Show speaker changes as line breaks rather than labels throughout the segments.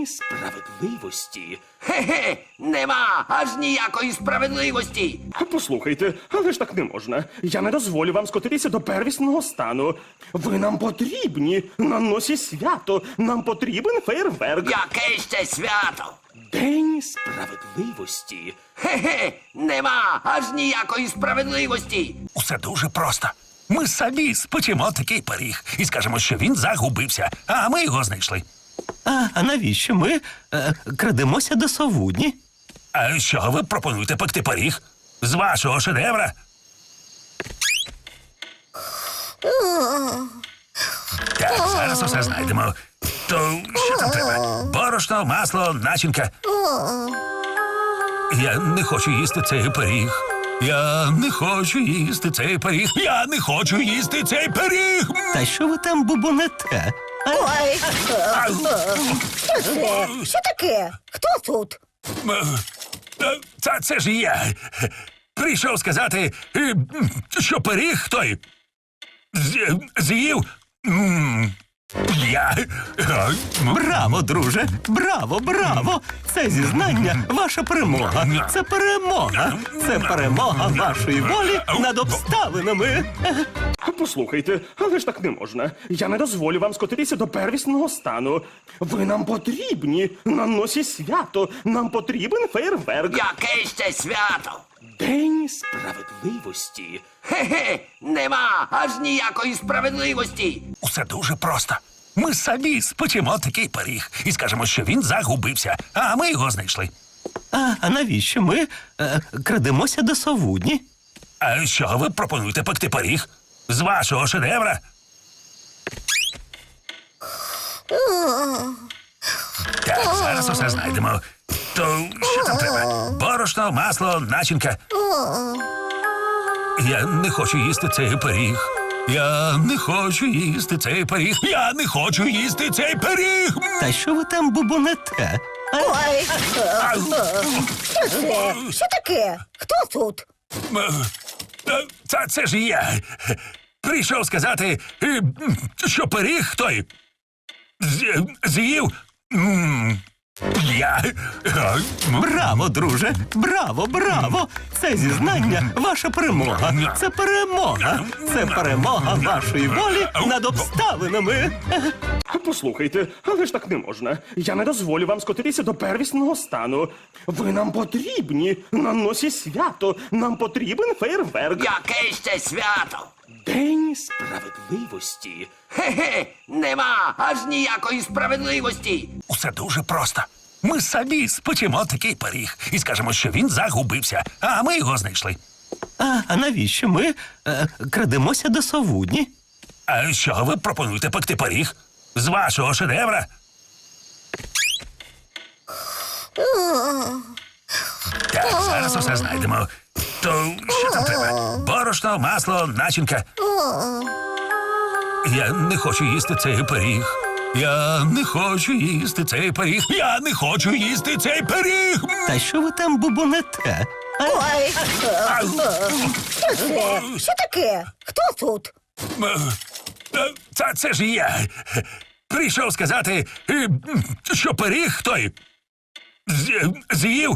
Справедливості? Хе-хе, нема аж ніякої справедливості.
Послухайте, але ж так не можна. Я не дозволю вам скотитися до первісного стану. Ви нам потрібні. На носі свято. Нам потрібен фейерверк.
Яке ще свято?
День
Справедливості? Хе-хе, нема аж ніякої справедливості.
Усе дуже просто. Ми самі спечемо такий пиріг і скажемо, що він загубився, а ми його знайшли.
А навіщо ми крадемося до совудні?
А що ви пропонуєте пекти пиріг? З вашого шедевра? Так, зараз усе знайдемо. То що там треба? Борошно, масло, начинка. Я не хочу їсти цей пиріг. Я не хочу їсти цей пиріг. Я не хочу їсти цей пиріг.
Та що ви там бубонете?
Ой, що таке? Хто тут?
Це ж я. Прийшов сказати, що пиріг той з'їв. Я.
Браво, друже! Браво, браво! Це зізнання ваша перемога. Це перемога. Це перемога вашої волі над обставинами.
Послухайте, але ж так не можна. Я не дозволю вам скотитися до первісного стану. Ви нам потрібні. На носі свято. Нам потрібен фейерверк.
Яке ще свято?
День
Справедливості? Хе-хе, нема аж ніякої справедливості.
Усе дуже просто. Ми самі спечемо такий пиріг і скажемо, що він загубився, а ми його знайшли.
А навіщо ми крадемося до совудні?
А що ви пропонуєте пекти пиріг? З вашого шедевра? Так, зараз усе знайдемо. То що там треба? Борошно, масло, начинка. Я не хочу їсти цей пиріг. Я не хочу їсти цей пиріг. Я не хочу їсти цей пиріг.
Та що ви там бубонете?
Ой, що таке? Хто тут?
Це ж я. Прийшов сказати, що пиріг той з'їв. Я.
Браво, друже! Браво, браво! Це зізнання ваша перемога. Це перемога. Це перемога вашої волі над обставинами.
Послухайте, але ж так не можна. Я не дозволю вам скотитися до первісного стану. Ви нам потрібні. На носі свято. Нам потрібен фейерверк.
Яке ще свято?
День
Справедливості? Хе-хе, нема аж ніякої справедливості.
Усе дуже просто. Ми самі спечемо такий пиріг і скажемо, що він загубився, а ми його знайшли.
А навіщо ми крадемося до совудні?
А що ви пропонуєте пекти пиріг? З вашого шедевра? Так, зараз усе знайдемо. То що там треба? Борошно, масло, начинка. Я не хочу їсти цей пиріг. Я не хочу їсти цей пиріг. Я не хочу їсти цей пиріг.
Та що ви там бубонете?
Ой, що таке? Хто тут?
Це ж я. Прийшов сказати, що пиріг той з'їв.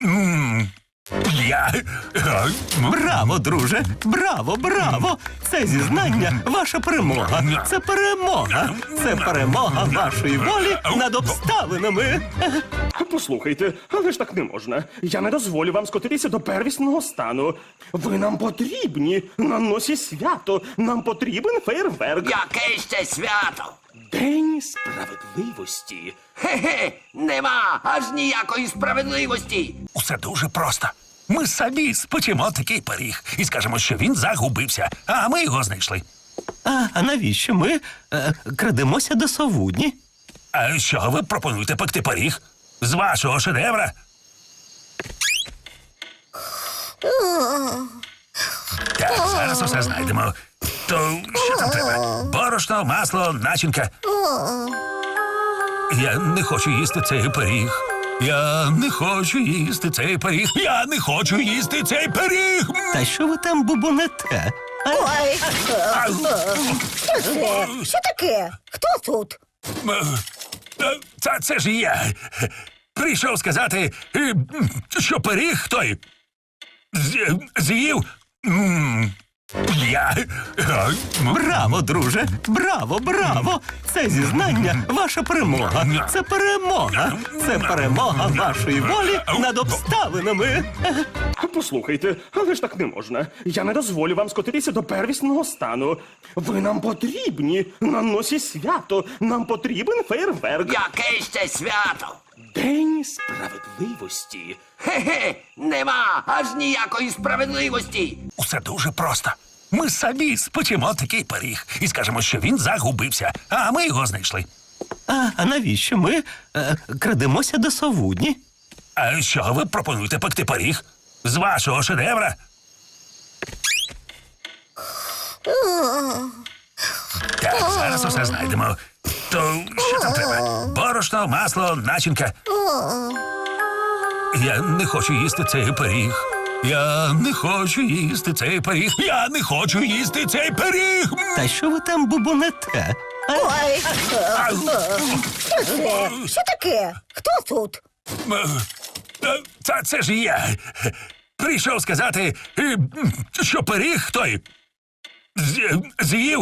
Я.
Браво, друже! Браво, браво! Це зізнання ваша перемога. Це перемога. Це перемога вашої волі над обставинами.
Послухайте, але ж так не можна. Я не дозволю вам скотитися до первісного стану. Ви нам потрібні. На носі свято. Нам потрібен фейерверк.
Яке ще свято?
День
Справедливості? Хе-хе, нема аж ніякої справедливості.
Усе дуже просто. Ми самі спечемо такий пиріг і скажемо, що він загубився, а ми його знайшли.
А навіщо ми крадемося до совудні?
А що ви пропонуєте пекти пиріг? З вашого шедевра? Так, зараз усе знайдемо. То що там треба? Борошно, масло, начинка. Я не хочу їсти цей пиріг. Я не хочу їсти цей пиріг. Я не хочу їсти цей пиріг.
Та що ви там бубонете?
Ой, що таке? Хто тут?
Це ж я. Прийшов сказати, що пиріг той з'їв. Я.
Браво, друже! Браво, браво! Це зізнання ваша перемога. Це перемога. Це перемога вашої волі над обставинами.
Послухайте, але ж так не можна. Я не дозволю вам скотитися до первісного стану. Ви нам потрібні на носі свято. Нам потрібен фейерверк.
Яке ще свято?
День
Справедливості? Хе-хе, нема аж ніякої справедливості.
Усе дуже просто. Ми самі спечемо такий пиріг і скажемо, що він загубився, а ми його знайшли.
А навіщо ми крадемося до совудні?
А що ви пропонуєте пекти пиріг? З вашого шедевра? Так, зараз усе знайдемо. То що там треба? Борошно, масло, начинка. Я не хочу їсти цей пиріг. Я не хочу їсти цей пиріг. Я не хочу їсти цей пиріг.
Та що ви там бубонете?
Ой,
Ау.
що це? Що таке? Хто тут?
Це ж я. Прийшов сказати, що пиріг той з'їв.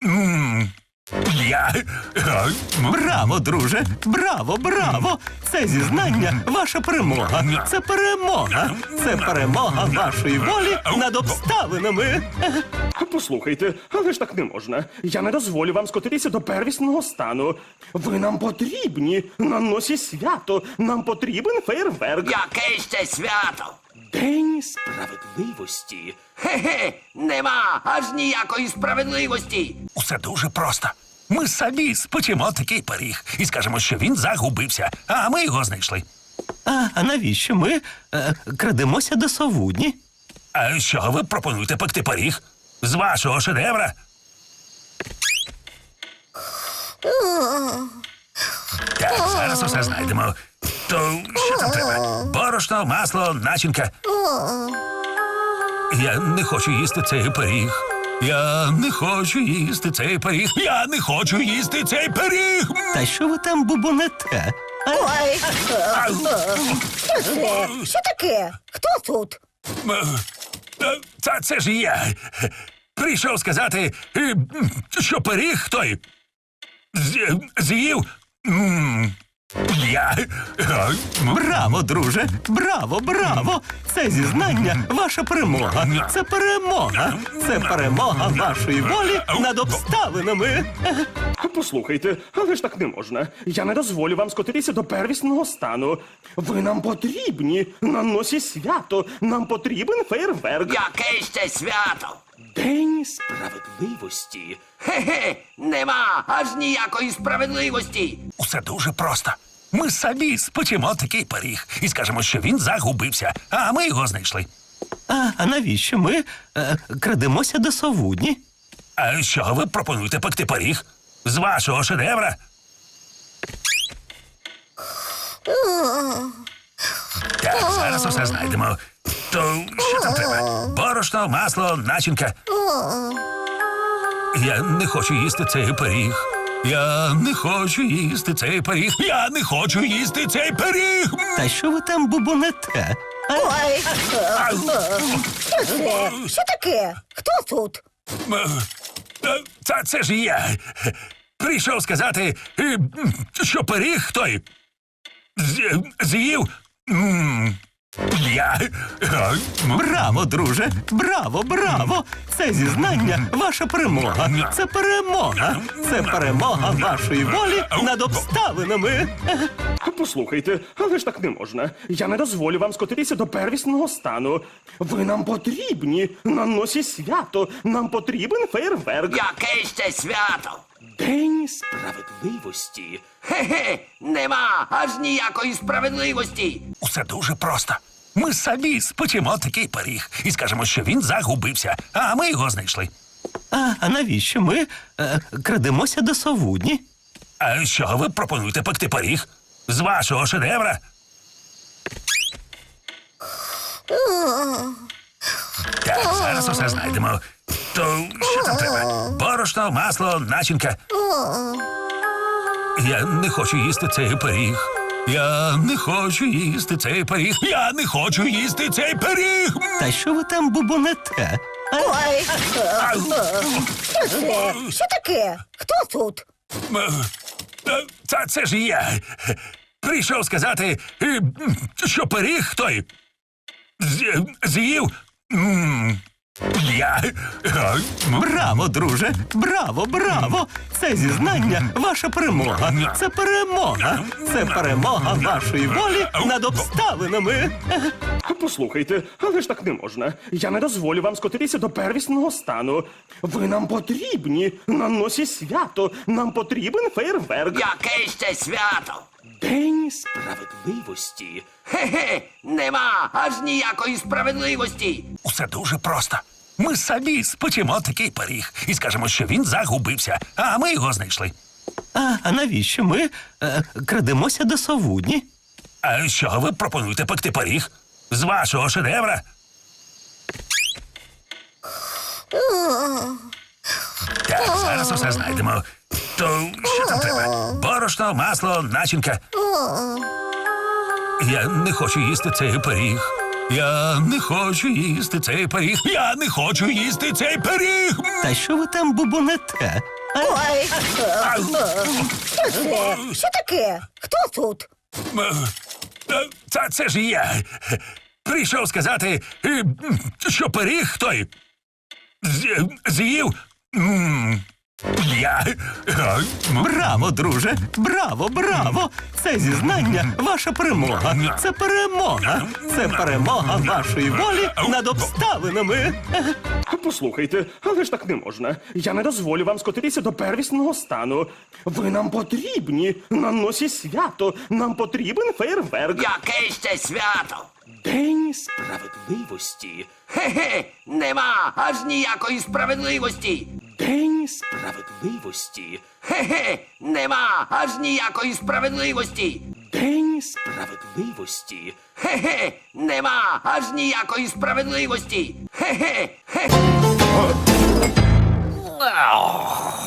Я.
Браво, друже! Браво, браво! Це зізнання ваша перемога. Це перемога. Це перемога вашої волі над обставинами.
Послухайте, але ж так не можна. Я не дозволю вам скотитися до первісного стану. Ви нам потрібні на носі свято. Нам потрібен фейерверк.
Яке ще свято?
День
Справедливості? Хе-хе, нема аж ніякої справедливості.
Усе дуже просто. Ми самі спечемо такий пиріг і скажемо, що він загубився, а ми його знайшли.
А навіщо ми крадемося до совудні?
А що ви пропонуєте пекти пиріг? З вашого шедевра? Так, зараз усе знайдемо. То що там треба? Борошно, масло, начинка. Я не хочу їсти цей пиріг. Я не хочу їсти цей пиріг. Я не хочу їсти цей пиріг.
Та що ви там бубонете?
Ой,
Ау.
що це? Що таке? Хто тут?
Це ж я. Прийшов сказати, що пиріг той з'їв. Я.
Браво, друже! Браво, браво! Це зізнання ваша перемога. Це перемога. Це перемога вашої волі над обставинами.
Послухайте, але ж так не можна. Я не дозволю вам скотитися до первісного стану. Ви нам потрібні на носі свято. Нам потрібен фейерверк.
Яке ще свято?
День
Справедливості? Хе-хе, нема аж ніякої справедливості.
Усе дуже просто. Ми самі спечемо такий пиріг і скажемо, що він загубився, а ми його знайшли.
А навіщо ми крадемося до совудні?
А що ви пропонуєте пекти пиріг? З вашого шедевра? Так, зараз усе знайдемо. То що там треба? Борошно, масло, начинка. Я не хочу їсти цей пиріг. Я не хочу їсти цей пиріг. Я не хочу їсти цей пиріг.
Та що ви там бубонете?
Ой,
Ау.
що це? Що таке? Хто тут?
Це ж я. Прийшов сказати, що пиріг той з'їв. Я.
Браво, друже! Браво, браво! Це зізнання ваша перемога. Це перемога. Це перемога вашої волі над обставинами.
Послухайте, але ж так не можна. Я не дозволю вам скотитися до первісного стану. Ви нам потрібні на носі свято. Нам потрібен фейерверк.
Яке ще свято?
День
Справедливості? Хе-хе, нема аж ніякої справедливості.
Усе дуже просто. Ми самі спечемо такий пиріг і скажемо, що він загубився, а ми його знайшли.
А навіщо ми крадемося до совудні?
А що ви пропонуєте пекти пиріг? З вашого шедевра? Так, зараз усе знайдемо. То що там треба? Борошно, масло, начинка. Я не хочу їсти цей пиріг. Я не хочу їсти цей пиріг. Я не хочу їсти цей пиріг.
Та що ви там бубонете?
Ой, що це? Що таке? Хто тут?
Це ж я. Прийшов сказати, що пиріг той з'їв. Я.
Браво, друже! Браво, браво! Це зізнання ваша перемога. Це перемога. Це перемога вашої волі над обставинами.
Послухайте, але ж так не можна. Я не дозволю вам скотитися до первісного стану. Ви нам потрібні на носі свято. Нам потрібен фейерверк.
Яке ще свято?
День
Справедливості? Хе-хе, нема аж ніякої справедливості.
Усе дуже просто. Ми самі спечемо такий пиріг і скажемо, що він загубився, а ми його знайшли.
А навіщо ми крадемося до совудні?
А що ви пропонуєте пекти пиріг? З вашого шедевра? Так, зараз усе знайдемо. То що там треба? Борошно, масло, начинка. Я не хочу їсти цей пиріг. Я не хочу їсти цей пиріг. Я не хочу їсти цей пиріг.
Та що ви там бубонете?
Ой, що це? Що таке? Хто тут?
Це ж я. Прийшов сказати, що пиріг той з'їв. Я.
Браво, друже! Браво, браво! Це зізнання ваша перемога. Це перемога. Це перемога вашої волі над обставинами.
Послухайте, але ж так не можна. Я не дозволю вам скотитися до первісного стану. Ви нам потрібні на носі свято. Нам потрібен фейерверк.
Яке ще свято?
День
Справедливості? Хе-хе, нема аж ніякої справедливості.
День
Справедливості? Хе-хе, нема аж ніякої справедливості.
День
Справедливості? Хе-хе, нема аж ніякої справедливості. Хе-хе, хе.